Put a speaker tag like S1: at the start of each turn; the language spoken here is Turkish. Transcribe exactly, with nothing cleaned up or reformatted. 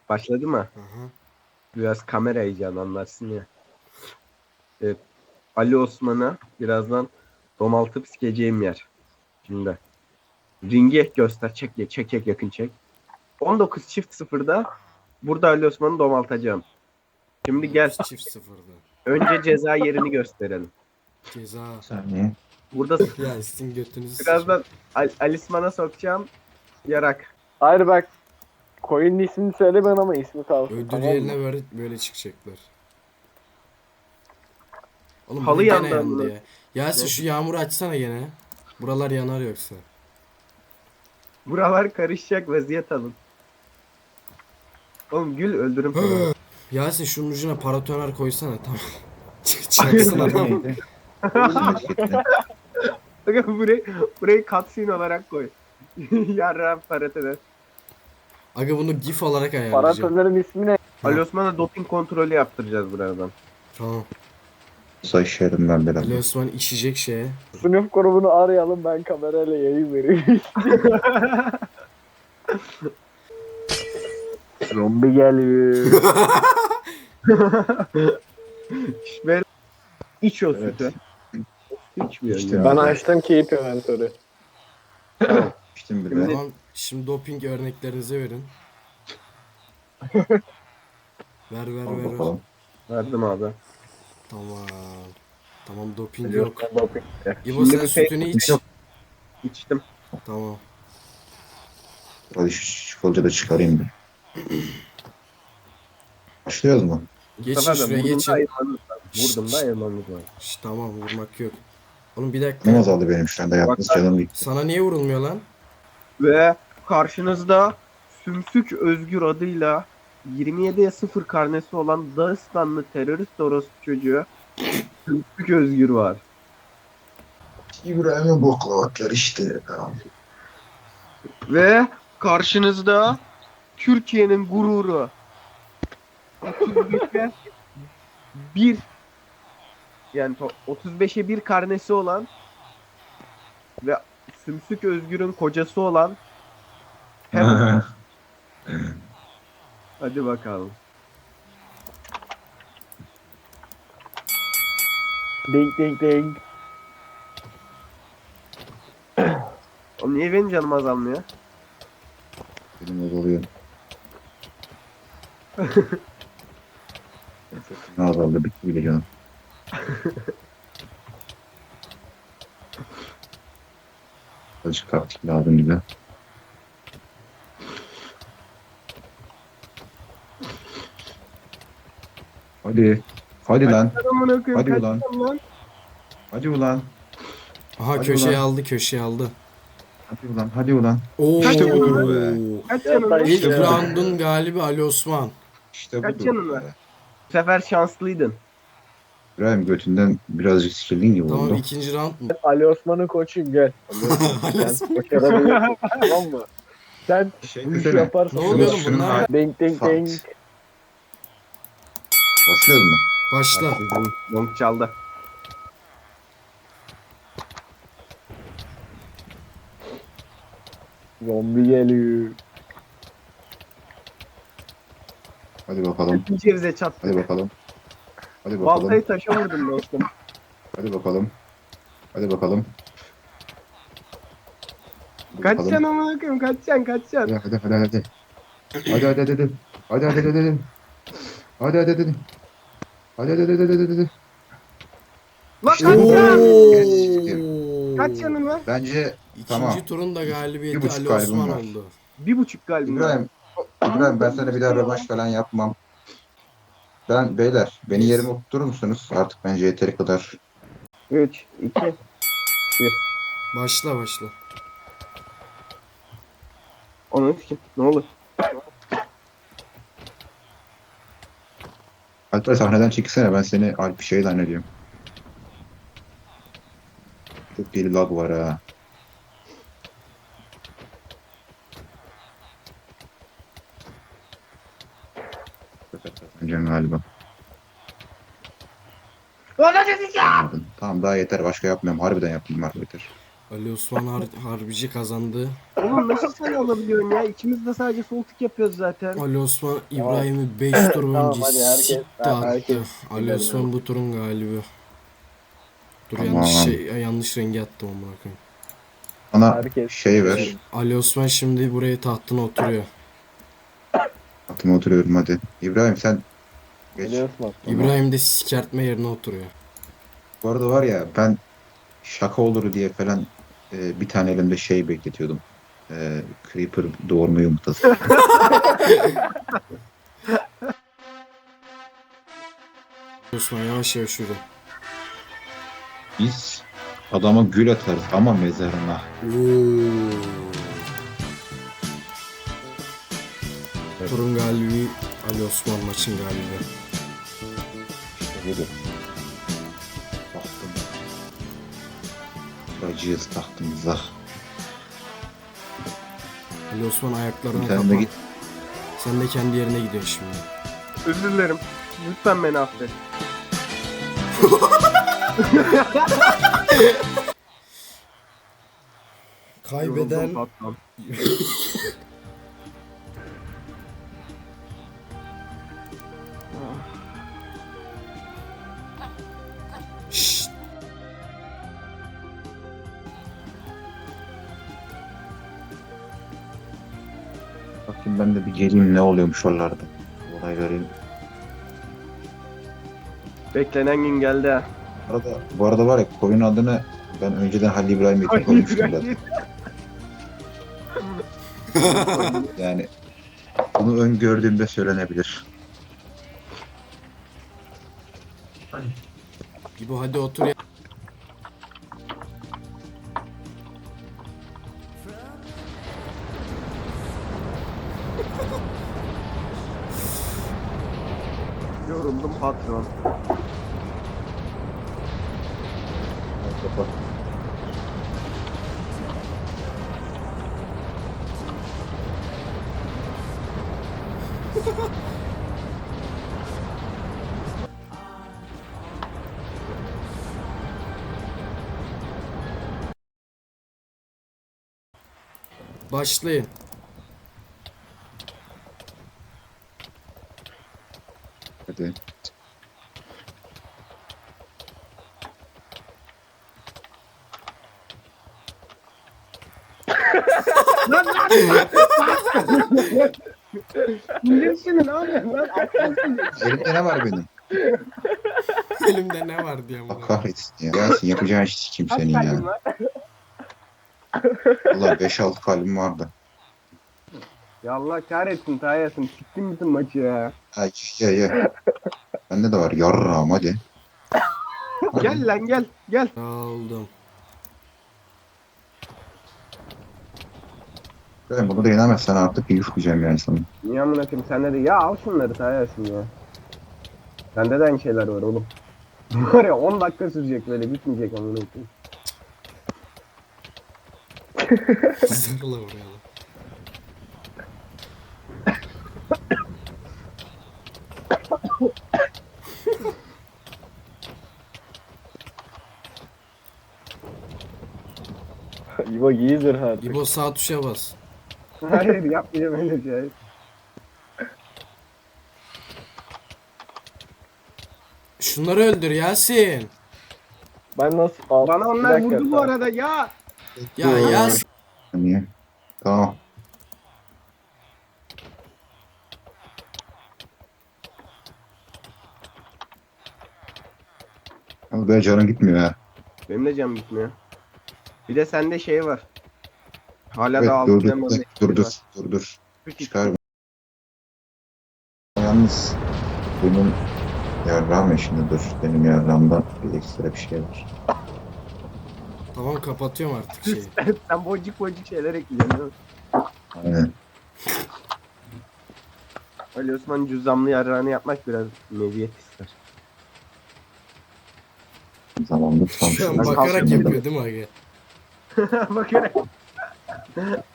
S1: Başladı mı?
S2: Aha.
S1: Biraz kamera heyecanı anlarsın ya. Evet. Ali Osman'a birazdan domaltıp sikeceğim yer. Şimdi. Ringi göster. Çek, çek, çek yakın çek. on dokuz çift sıfırda burada Ali Osman'ı domaltacağım. Şimdi gel.
S2: Çift sıfırdı.
S1: Önce ceza yerini gösterelim.
S2: Ceza.
S3: Bir saniye.
S1: Burada
S2: Ya sizin götünüzü sıçın.
S1: birazdan Al Alisman'a sokacağım. Yarak.
S4: Hayır bak. Coin'in ismini söyle ben ama ismi kalsın.
S2: Ödül
S4: tamam
S2: yerine
S4: mı?
S2: böyle, böyle çıkacaklar. Oğlum
S1: Halı
S2: bu gene
S1: yandı
S2: yandı
S1: amına.
S2: ya. Yasin şu yağmuru açsana gene. Buralar yanar yoksa.
S1: Buralar karışacak, vaziyet alın. Oğlum gül öldürüm seni.
S2: Yasin şunun ucuna paratoner koysana tamam. Çaksın adam.
S3: Neydi? Etikette.
S1: Bakın burayı, burayı cutscene olarak koy. Yarram paratede.
S2: Aga bunu gif olarak ayarlayacağım.
S4: Paratörlerin ismi ne?
S1: Ali Osman'a doping kontrolü yaptıracağız buradan.
S2: Tamam.
S3: Sayışırım ben biraz.
S2: Ali Osman içecek şeye.
S4: Sınıf grubunu arayalım ben kamerayla yayın vereyim. Zombi geliyor.
S1: Böyle iç o
S3: Evet.
S1: sütü. İçmiyor
S3: İçtim.
S1: ya.
S4: Ben açtım keyif inventörü.
S3: İçtim bile.
S2: Tamam. Şimdi doping örneklerinizi verin. Ver ver
S3: Al
S2: ver. ver.
S3: bakalım.
S1: Verdim abi.
S2: Tamam. Tamam doping yok.
S4: Yok.
S2: İbo
S1: Şimdi
S2: sen
S1: bir şey-
S2: sütünü iç.
S1: Yok. İçtim.
S2: Tamam.
S3: Hadi şu çikolata da çıkarayım bir. Başlıyoruz mu?
S2: Geçin
S1: Sefer de
S2: şuraya
S1: vurdum da
S2: geçin.
S1: ayırmamız var. Vurdum da ayırmamız var.
S2: Şş, tamam vurmak yok. Oğlum bir
S3: Ne
S2: dakika.
S3: azaldı benim şu anda yalnız canım gitti.
S2: Sana niye vurulmuyor lan?
S1: Ve karşınızda Sümsük Özgür adıyla yirmi yediye sıfır karnesi olan Dağıstanlı terörist orospu çocuğu Sümsük Özgür var.
S3: İbrahim'in boklavatlar işte.
S1: Ve karşınızda Türkiye'nin gururu otuz beşe bir yani to- otuz beşe bir karnesi olan ve Sümsük Özgür'ün kocası olan hem hadi bakalım.
S4: Ding ding ding.
S1: Oğlum niye benim canım azalmıyor?
S3: Benim de oluyor. Ne azaldı bitti bile canım. Azıcık taktik lazım bize. Hadi. Hadi lan.
S1: Amına koyayım,
S3: Hadi
S1: kaç
S3: ulan.
S1: tane lan?
S3: Hadi ulan.
S2: Aha
S3: Hadi
S2: köşeyi
S3: ulan.
S2: aldı köşeyi aldı.
S3: Hadi ulan. Hadi ulan.
S2: Oo.
S1: İşte
S3: budur be.
S1: Kaç
S4: Ya
S1: canın var?
S4: ben-
S2: İlk
S4: İşte.
S2: round'un galibi Ali Osman.
S3: İşte
S1: Kaç
S3: budur
S1: canın var?
S3: be.
S1: Bu sefer şanslıydın.
S3: İbrahim götünden birazcık sikildin gibi
S2: Tamam
S3: oldu.
S2: ikinci round mu?
S4: Ali Osman'ın koçuyum gel. Ali Osman, sen başarabilirsin. Tamam mı? Sen
S3: Şey
S4: bu işi
S3: desene.
S4: yaparsın.
S2: Ne oluyor oğlum
S3: Şunun
S2: bunlar?
S3: hali-
S4: Ding ding
S3: Fart.
S4: ding.
S3: Başlıyoruz mu?
S2: Başla.
S1: Long çaldı.
S4: Zombi geliyor.
S3: Hadi bakalım.
S1: Bir cevize çattı.
S3: Hadi bakalım. Hadi bakalım.
S1: Baltayı taşa vurdum dostum.
S3: Hadi bakalım. Hadi bakalım. Hadi
S1: Kaçacaksın
S3: bakalım.
S1: amına koyayım, kaçacaksın, kaçacaksın.
S3: Hadi hadi hadi hadi. Hadi hadi hadi hadi. Hadi hadi hadi hadi. Hadi hadi hadi. Hadi hadi hadi hadi hadi.
S1: Lan
S3: İşte
S1: kaçacaksın. Kaç canın var?
S3: Bence
S2: İkinci
S3: Tamam.
S2: turun da
S3: Bir
S2: galibiyeti
S3: buçuk
S2: Ali
S3: galibim
S2: Osman
S3: var.
S2: oldu.
S1: Bir buçuk galiba.
S3: İbrahim, İbrahim ben sana bir daha rövanş falan yapmam. Ben beyler beni yerime oturtur musunuz? Artık bence yeteri kadar.
S1: üç, iki.
S2: Başla başla.
S1: Onun için ne olur.
S3: Alper sahneden çekilsene, ben seni Alp şey zannediyorum. Çok deli lag var ha. Kazanacağım galiba. Anladın. Tamam daha yeter, başka yapmıyorum. Harbiden yaptım var yeter.
S2: Ali Osman Har- Harbici kazandı.
S1: Oğlum nasıl sen alabiliyorsun ya? İkimiz de sadece sol tık yapıyoruz zaten.
S2: Ali Osman İbrahim'i beş tur
S4: Tamam,
S2: önce
S4: hadi herkes-
S2: sikti attı.
S4: herkes
S2: Ali
S4: gidelim.
S2: Osman bu turun galibi. Dur
S3: Tamam.
S2: yanlış şey yanlış rengi attım amına koyayım.
S3: Bana
S4: Herkes-
S3: şey ver.
S2: Ali Osman şimdi buraya tahtına oturuyor.
S3: Atıma oturuyorum hadi. İbrahim sen geç.
S4: Biliyorsun aslında.
S2: İbrahim de sikertme yerine oturuyor.
S3: Bu arada var ya ben şaka olur diye falan e, bir tane elimde şey bekletiyordum. E, Creeper doğurma yumurtası.
S2: Ali Osman yavaş yavaş yürü.
S3: Biz adama gül atarız ama mezarına.
S2: Oo. Turun galibi Ali Osman, maçın galibi.
S3: İşte budur. Baktım. Bacıyız tahtımıza.
S2: Ali Osman ayaklarına
S3: Sen de
S2: kapan.
S3: git.
S2: Sen de kendi yerine gidiyorsun şimdi.
S1: Özür dilerim. Lütfen beni affet.
S2: Kaybeden
S1: Yoruldum patron.
S2: Şşt.
S3: Bakayım ben de bir geleyim ne oluyormuş oralarda. Olay göreyim.
S1: Beklenen gün geldi ha.
S3: Bu arada, bu arada var ya koyun adını ben önceden Halil İbrahim Yetim koymuştum zaten. Yani bunu öngördüğümde söylenebilir.
S2: İbo hadi otur ya.
S1: Yoruldum patron.
S2: Başlayın.
S3: Hadi.
S1: Bilirsin abi. Lan aklansın.
S3: Elimde ne var benim?
S2: Elimde ne var diye
S3: Allah
S2: amına.
S3: kahretsin ya. Gelsin yapacağın iş sikeyim
S1: Kaç
S3: senin
S1: kalbin
S3: ya.
S1: var?
S3: Valla beş altı kalbim vardı.
S1: Ya Allah kahretsin Tayyasın. Siktin bütün maçı ya.
S3: Ha ye ye. Bende de var yarrağım hadi. Hadi.
S1: Gel lan gel. Gel.
S2: Aldım.
S3: Ben bunu da yenemezsen artık yufmayacağım yani sana.
S1: Niye amına koyayım sende de ya al şunları Tayyasın ya. Sende de aynı şeyler var oğlum. Var ya on dakika sürecek böyle bitmeyecek amına koyayım.
S2: Zırla oraya da.
S4: İbo giyizdir artık.
S2: İbo sağ tuşa bas.
S1: Hayır yapmayacağım öyle şey.
S2: Şunları öldür Yasin.
S4: Ben nasıl... Al,
S1: Bana
S4: bir
S1: onlar
S4: dakika,
S1: vurdu bu
S4: tamam.
S1: arada ya.
S2: Ya Yasin.
S3: Niye? Tamam. Ama böyle canım gitmiyor ha.
S1: Benim de canım gitmiyor. Bir de sende şey var. Hala
S3: Evet
S1: da altı
S3: dur dur
S1: elmas
S3: dur dur
S1: ekmeği
S3: dur
S1: var.
S3: dur dur.
S1: Üç
S3: Çıkar. Yalnız bunun yarrağım eşinde dur. Benim yarrağımda bir ekstra bir şey var.
S2: Tamam kapatıyorum artık şeyi.
S1: Sen boncuk boncuk şeyler ekliyorsun değil mi?
S3: Aynen.
S1: Ali Osman cüzdanlı yarrağını yapmak biraz meziyet ister.
S3: Zamanında tam
S2: Şu an
S1: Ben
S2: bakarak
S1: kalkıyorum.
S2: yapıyor değil mi Aga?
S1: Bakarak.